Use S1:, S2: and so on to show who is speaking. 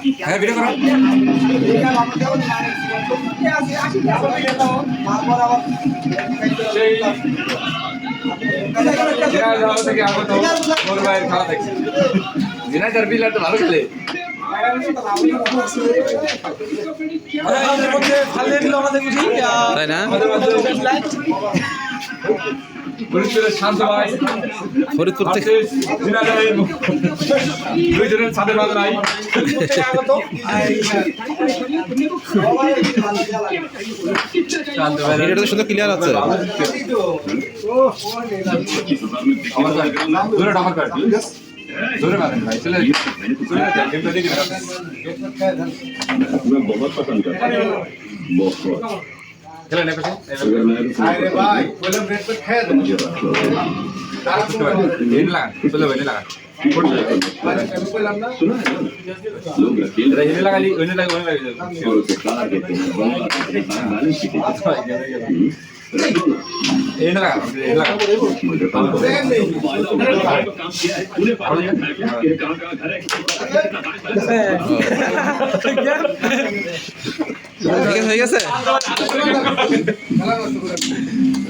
S1: হ্যাঁ ভিডিও করো থেকে আগত মোর ভাইয়ের খেলা দেখছি দিনাজার বিল একটা ভালো খেলে
S2: তাই না
S1: ফরিদপুরের শান্ত ভাই
S2: ফরিদপুর থেকে
S1: দিনাজারের দুই জনের সাথে বাধা নাই
S2: ভিডিওটা তো সুন্দর ক্লিয়ার আছে
S1: দূরে ডাবল কাট দূরে মারেন ভাই চলে
S3: मैं बहुत पसंद करता हूँ बहुत
S1: খেলে নেবে
S3: अगर मैं
S1: আরে ভাই বললাম রেড पे খেয়ে দে
S3: मुझे रख लो
S1: इन लगा चलो बने लगा
S3: सुना है ना लोग अकेले
S1: इन लगा ली इन लगा
S3: और उसे कार कहते हैं बैलेंस की रख लो ना
S1: इन लगा
S3: मुझे काम किया है तूने कहाँ कहाँ घर है
S2: ঠিক আছে হয়ে গেছে